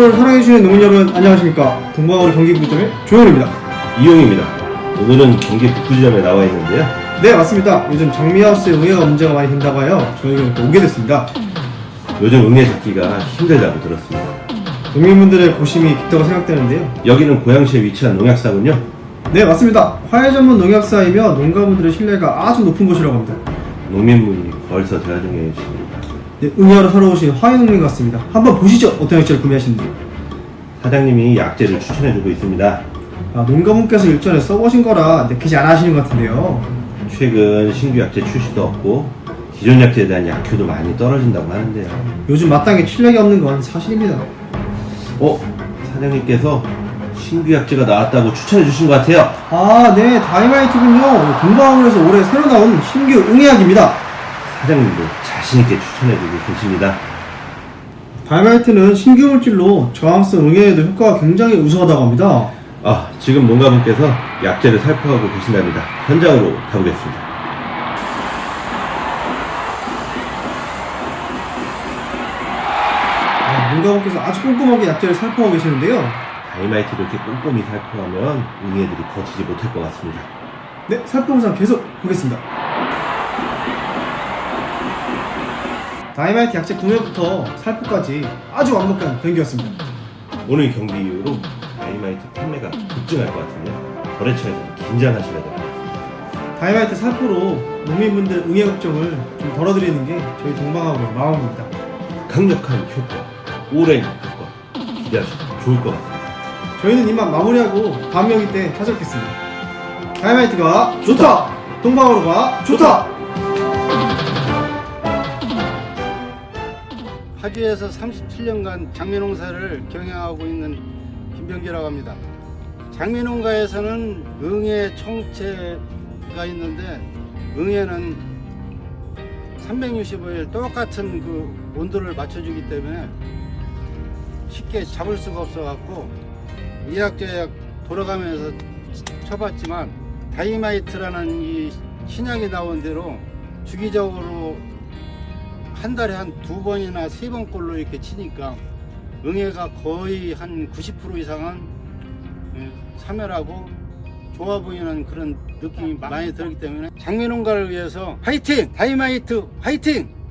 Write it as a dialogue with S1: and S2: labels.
S1: 동방어를 사랑해주시는 농민 여러분 안녕하십니까. 동방어를 경기북부지점의 조현우입니다.
S2: 이용입니다. 오늘은 경기 북부지점에 나와 있는데요.
S1: 네, 맞습니다. 요즘 장미하우스에 응애가 문제가 많이 된다고 하여 저희가 이렇게 오게 됐습니다.
S2: 요즘 응애 잡기가 힘들다고 들었습니다.
S1: 농민분들의 고심이 깊다고 생각되는데요.
S2: 여기는 고양시에 위치한 농약사군요.
S1: 네, 맞습니다. 화훼 전문 농약사이며 농가분들의 신뢰가 아주 높은 곳이라고 합니다.
S2: 농민분이 벌써 대화중에 계십니다.
S1: 네, 응애하러 사러 오신 화훼 농민 같습니다. 한번 보시죠. 어떤 약재를 구매하시는지.
S2: 사장님이 약재를 추천해주고 있습니다.
S1: 농가분께서 일전에 써보신 거라 내키지 않아 하시는 것 같은데요.
S2: 최근 신규 약재 출시도 없고 기존 약재에 대한 약효도 많이 떨어진다고 하는데요.
S1: 요즘 마땅히 출력이 없는 건 사실입니다.
S2: 사장님께서 신규 약재가 나왔다고 추천해주신 것 같아요.
S1: 네, 다이마이트군요. 동방어에서 올해 새로 나온 신규 응애약입니다.
S2: 사장님도 자신있게 추천해주고 계십니다.
S1: 다이마이트는 신규 물질로 저항성 응애에도 효과가 굉장히 우수하다고 합니다.
S2: 지금 농가분께서 약재를 살포하고 계신답니다. 현장으로 가보겠습니다.
S1: 농가분께서 아주 꼼꼼하게 약재를 살포하고 계시는데요.
S2: 다이마이트를 이렇게 꼼꼼히 살포하면 응애들이 버티지 못할 것 같습니다.
S1: 네, 살포 영상 계속 보겠습니다. 다이마이트 약재 구매부터 살포까지 아주 완벽한 경기였습니다.
S2: 오늘 경기 이후로 다이마이트 판매가 급증할 것 같은데요. 거래처에서 긴장하셔야 될 것 같습니다.
S1: 다이마이트 살포로 농민분들 응애 걱정을 좀 덜어드리는 게 저희 동방하고의 마음입니다.
S2: 강력한 효과, 오랜 효과 기대하셔도 좋을 것 같습니다.
S1: 저희는 이만 마무리하고 다음 경기 때 찾아뵙겠습니다. 다이마이트가 좋다! 동방어로가 좋다!
S3: 파주에서 37년간 장미농사를 경영하고 있는 김병기라고 합니다. 장미농가에서는 응애 총체가 있는데 응애는 365일 똑같은 그 온도를 맞춰주기 때문에 쉽게 잡을 수가 없어갖고 이약저약 돌아가면서 쳐봤지만 다이마이트라는 이 신약이 나온 대로 주기적으로 한 달에 한 2번이나 3번꼴로 이렇게 치니까 응애가 거의 한 90% 이상은 사멸하고 좋아 보이는 그런 느낌이 많이 들기 때문에 장미농가를 위해서 화이팅! 다이마이트 화이팅!